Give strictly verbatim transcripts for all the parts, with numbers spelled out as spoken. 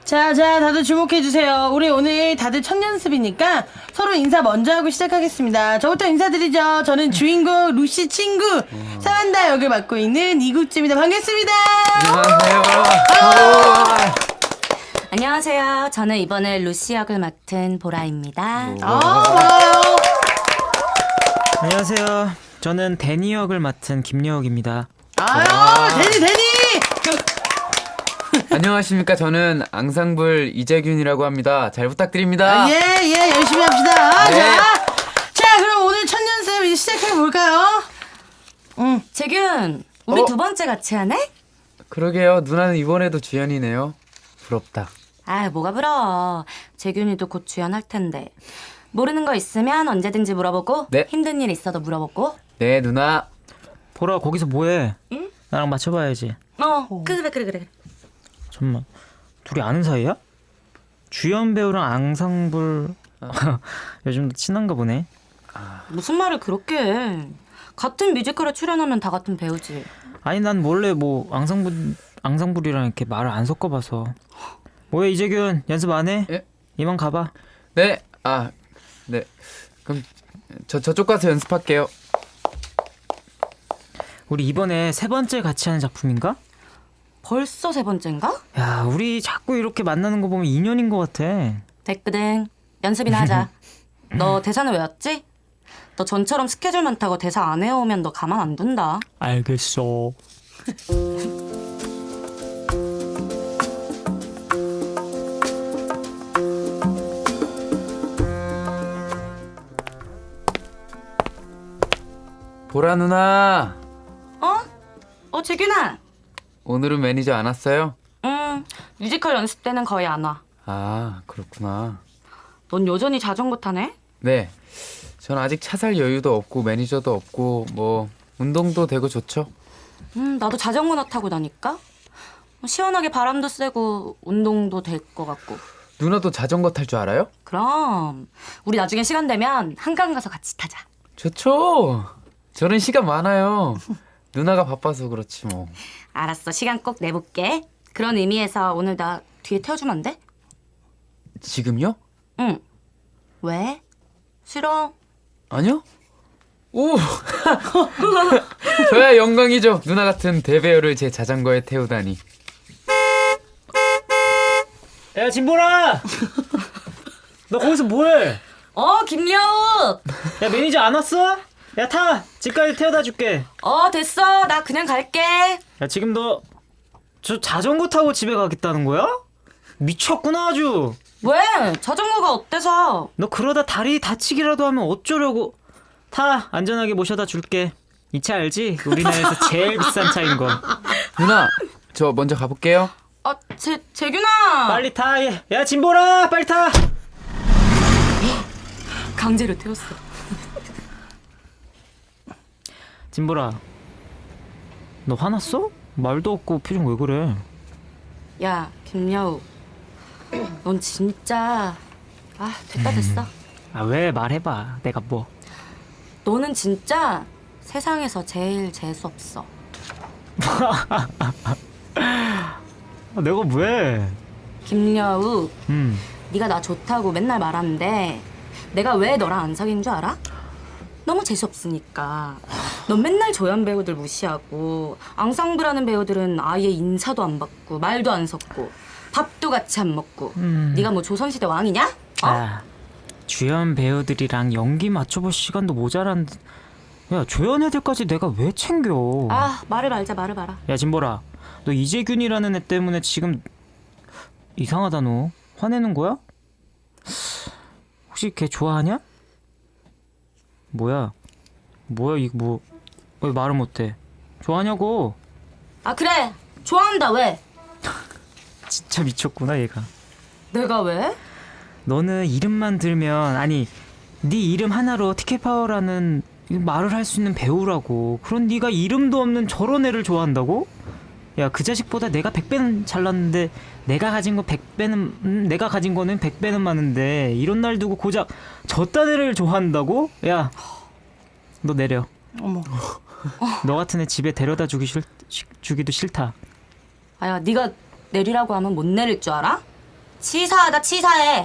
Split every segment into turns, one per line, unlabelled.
자, 자, 다들 주목해주세요. 우리 오늘 다들 첫 연습이니까 서로 인사 먼저 하고 시작하겠습니다. 저부터 인사드리죠. 저는 주인공 루시 친구 사만다 역을 맡고 있는 이국주입니다. 반갑습니다.
안녕하세요.
안녕하세요. 저는 이번에 루시 역을 맡은 보라입니다.
아, 와요.
안녕하세요. 저는 데니 역을 맡은 김여욱입니다.
아유, 데니, 데니!
안녕하십니까. 저는 앙상블 이재균이라고 합니다. 잘 부탁드립니다.
아, 예, 예, 열심히 합시다.
네.
자, 자, 그럼 오늘 첫 연습 이제 시작해볼까요? 응.
재균, 우리
어?
두 번째 같이 하네?
그러게요. 누나는 이번에도 주연이네요. 부럽다.
아, 뭐가 부러워. 재균이도 곧 주연할 텐데. 모르는 거 있으면 언제든지 물어보고
네.
힘든 일 있어도 물어보고.
네, 누나.
보라 거기서 뭐해?
응?
나랑 맞춰봐야지.
어, 그래 그래 그래.
잠깐만. 둘이 아는 사이야? 주연 배우랑 앙상블 요즘도 친한가 보네.
무슨 말을 그렇게 해. 같은 뮤지컬에 출연하면 다 같은 배우지.
아니 난 원래 뭐 앙상블 앙상블이랑 이렇게 말을 안 섞어봐서. 뭐야 이재균 연습 안 해?
예?
이만 가봐.
네. 아, 네. 그럼 저 저쪽 가서 연습할게요.
우리 이번에 세 번째 같이 하는 작품인가?
벌써 세 번째인가?
야 우리 자꾸 이렇게 만나는 거 보면 인연인 것 같아.
됐거든. 연습이나 하자. 너 대사는 외웠지? 너 전처럼 스케줄 많다고 대사 안 외우면 너 가만 안 둔다.
알겠어.
보라 누나.
어? 어, 재균아.
오늘은 매니저 안 왔어요?
음, 뮤지컬 연습 때는 거의 안 와.
아, 그렇구나.
넌 여전히 자전거 타네?
네. 전 아직 차 살 여유도 없고 매니저도 없고 뭐 운동도 되고 좋죠.
음, 나도 자전거나 타고 다니까? 시원하게 바람도 쐬고 운동도 될 것 같고.
누나도 자전거 탈 줄 알아요?
그럼 우리 나중에 시간 되면 한강 가서 같이 타자.
좋죠. 저는 시간 많아요. 누나가 바빠서 그렇지 뭐.
알았어, 시간 꼭 내볼게. 그런 의미에서 오늘 나 뒤에 태워주면 안 돼?
지금요?
응. 왜? 싫어?
아니요? 오! 저야 영광이죠. 누나 같은 대배우를 제 자전거에 태우다니.
야 진보라. 너 거기서 뭐해?
어, 김여욱!
야 매니저 안 왔어? 야 타! 집까지 태워다 줄게.
어, 됐어. 나 그냥 갈게.
야 지금 너 저 자전거 타고 집에 가겠다는 거야? 미쳤구나 아주.
왜? 자전거가 어때서?
너 그러다 다리 다치기라도 하면 어쩌려고. 타! 안전하게 모셔다 줄게. 이 차 알지? 우리나라에서 제일 비싼 차인 거.
누나, 저 먼저 가볼게요.
아, 재, 재균아!
빨리 타. 야, 야 진보라 빨리 타.
강제로 태웠어.
진보라 너 화났어? 말도 없고 표정 왜 그래?
야, 김여욱. 넌 진짜... 아, 됐다 됐어.
아 왜 말해봐. 내가 뭐.
너는 진짜 세상에서 제일 재수없어.
아, 내가 왜?
김여욱,
음.
네가 나 좋다고 맨날 말하는데 내가 왜 너랑 안 사귄 줄 알아? 너무 재수없으니까. 넌 맨날 조연 배우들 무시하고 앙상블하는 배우들은 아예 인사도 안 받고 말도 안 섞고 밥도 같이 안 먹고.
음.
네가 뭐 조선시대 왕이냐? 어?
아, 주연 배우들이랑 연기 맞춰볼 시간도 모자란데. 야 조연 애들까지 내가 왜 챙겨?
아, 말을 말자 말을 말아.
야 진보라 너 이재균이라는 애 때문에 지금 이상하다. 너 화내는 거야? 혹시 걔 좋아하냐? 뭐야 뭐야 이거 뭐 왜 말을 못해? 좋아하냐고.
아, 그래. 좋아한다. 왜?
진짜 미쳤구나 얘가.
내가 왜?
너는 이름만 들면, 아니 네 이름 하나로 티켓파워라는 말을 할 수 있는 배우라고. 그런 네가 이름도 없는 저런 애를 좋아한다고? 야 그 자식보다 내가 백 배는 잘났는데 내가 가진 거 백 배는 음, 내가 가진 거는 백 배는 많은데 이런 날 두고 고작 저딴 애를 좋아한다고? 야 너 내려.
어머.
너 같은 애 집에 데려다 주기 싫, 주기도 싫다.
아야, 네가 내리라고 하면 못 내릴 줄 알아? 치사하다 치사해.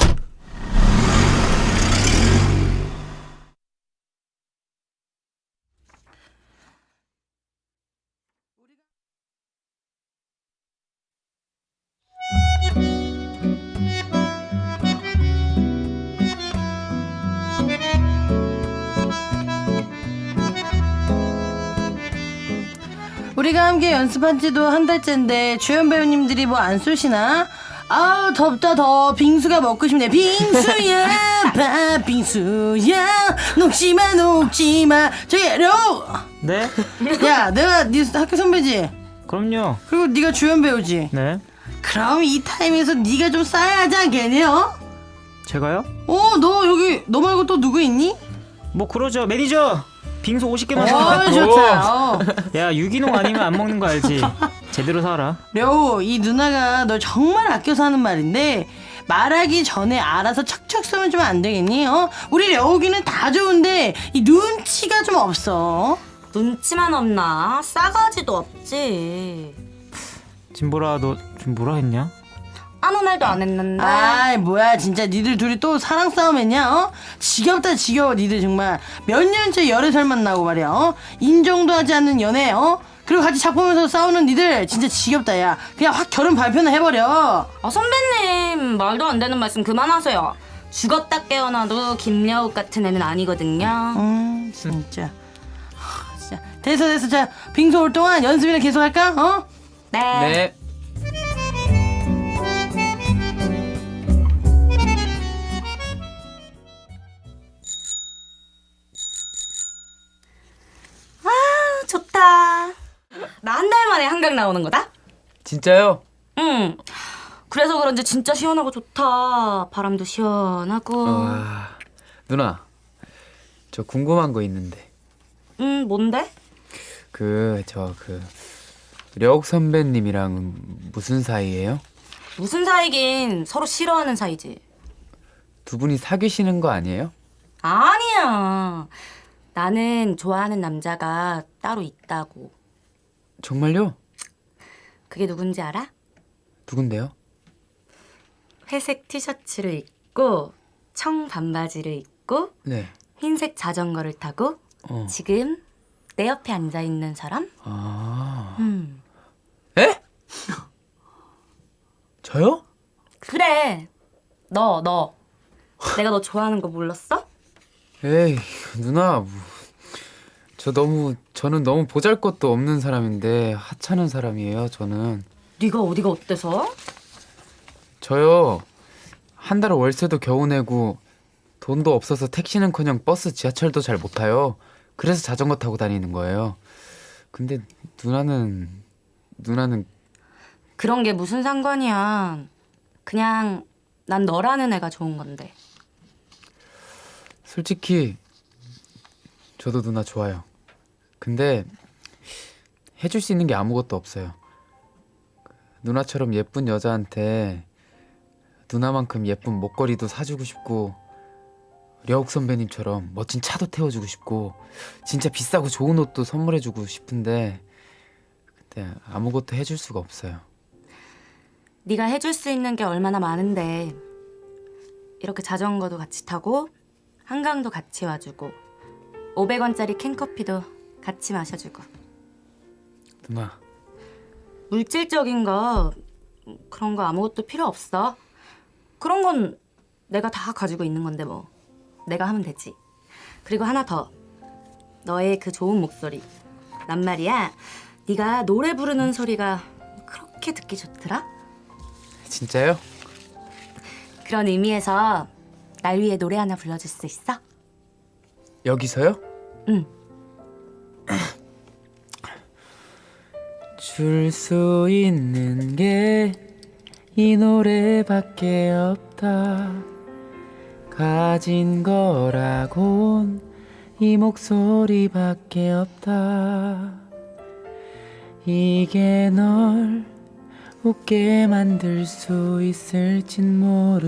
우리가 함께 연습한 지도 한 달째인데 주연 배우님들이 뭐 안 쏘시나? 아우 덥다 더 빙수가 먹고 싶네. 빙수야 팥빙수야 녹지마 녹지마. 저기 려.
네?
야 내가 네 학교 선배지?
그럼요.
그리고 네가 주연 배우지?
네.
그럼 이 타임에서 네가 좀 싸야 하지 않겠니? 어?
제가요?
어, 너 여기 너 말고 또 누구 있니?
뭐 그러죠. 매니저. 빙수 오십 개만
어,
사.
좋다. 어.
야, 유기농 아니면 안 먹는 거 알지? 제대로 살아.
려우, 이 누나가 널 정말 아껴서 하는 말인데 말하기 전에 알아서 척척 쏘면 좀 안 되겠니? 어? 우리 려우기는 다 좋은데 이 눈치가 좀 없어.
눈치만 없나? 싸가지도 없지.
진보라, 너 좀 뭐라 했냐?
아무 말도 안 했는데.
아이 뭐야 진짜 니들 둘이 또 사랑 싸움 했냐? 어? 지겹다 지겨워 니들 정말 몇 년째 열애설 만나고 말이야. 어? 인정도 하지 않는 연애. 어? 그리고 같이 작품에서 싸우는 니들 진짜 지겹다. 야 그냥 확 결혼 발표나 해버려.
아 선배님 말도 안 되는 말씀 그만하세요. 죽었다 깨어나도 김여욱 같은 애는 아니거든요.
음 진짜 하, 진짜 됐어 됐어. 자 빙수 올 동안 연습이나 계속 할까? 어?
네.
네.
좋다. 나 한 달 만에 한강 나오는 거다?
진짜요?
응. 그래서 그런지 진짜 시원하고 좋다. 바람도 시원하고.
와, 누나, 저 궁금한 거 있는데.
응, 뭔데?
그, 저, 그, 려욱 선배님이랑 무슨 사이예요?
무슨 사이긴 서로 싫어하는 사이지.
두 분이 사귀시는 거 아니에요?
아니야. 나는 좋아하는 남자가 따로 있다고.
정말요?
그게 누군지 알아?
누군데요?
회색 티셔츠를 입고 청 반바지를 입고
네.
흰색 자전거를 타고
어.
지금 내 옆에 앉아 있는 사람?
아.
음.
에? 저요?
그래. 너, 너. 내가 너 좋아하는 거 몰랐어?
에이, 누나, 뭐, 저 너무, 저는 너무 보잘것도 없는 사람인데 하찮은 사람이에요, 저는.
네가 어디가 어때서?
저요, 한 달 월세도 겨우 내고 돈도 없어서 택시는커녕 버스, 지하철도 잘 못 타요. 그래서 자전거 타고 다니는 거예요. 근데 누나는, 누나는
그런 게 무슨 상관이야. 그냥 난 너라는 애가 좋은 건데.
솔직히 저도 누나 좋아요. 근데 해줄 수 있는 게 아무것도 없어요. 누나처럼 예쁜 여자한테 누나만큼 예쁜 목걸이도 사주고 싶고, 려욱 선배님처럼 멋진 차도 태워주고 싶고, 진짜 비싸고 좋은 옷도 선물해주고 싶은데 근데 아무것도 해줄 수가 없어요.
네가 해줄 수 있는 게 얼마나 많은데. 이렇게 자전거도 같이 타고 한강도 같이 와주고 오백 원짜리 캔커피도 같이 마셔주고.
누나,
물질적인 거 그런 거 아무것도 필요 없어. 그런 건 내가 다 가지고 있는 건데 뭐. 내가 하면 되지. 그리고 하나 더. 너의 그 좋은 목소리. 난 말이야 네가 노래 부르는 소리가 그렇게 듣기 좋더라.
진짜요?
그런 의미에서 날 위해 노래 하나 불러줄 수 있어?
여기서요?
응.
줄 수 있는 게 이 노래밖에 없다. 가진 거라곤 이 목소리밖에 없다. 이게 널 웃게 만들 수 있을진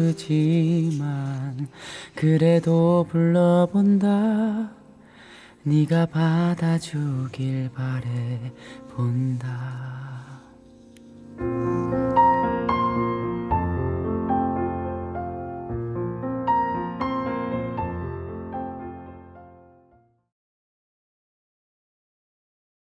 모르지만 그래도 불러본다. 네가 받아주길 바래 본다.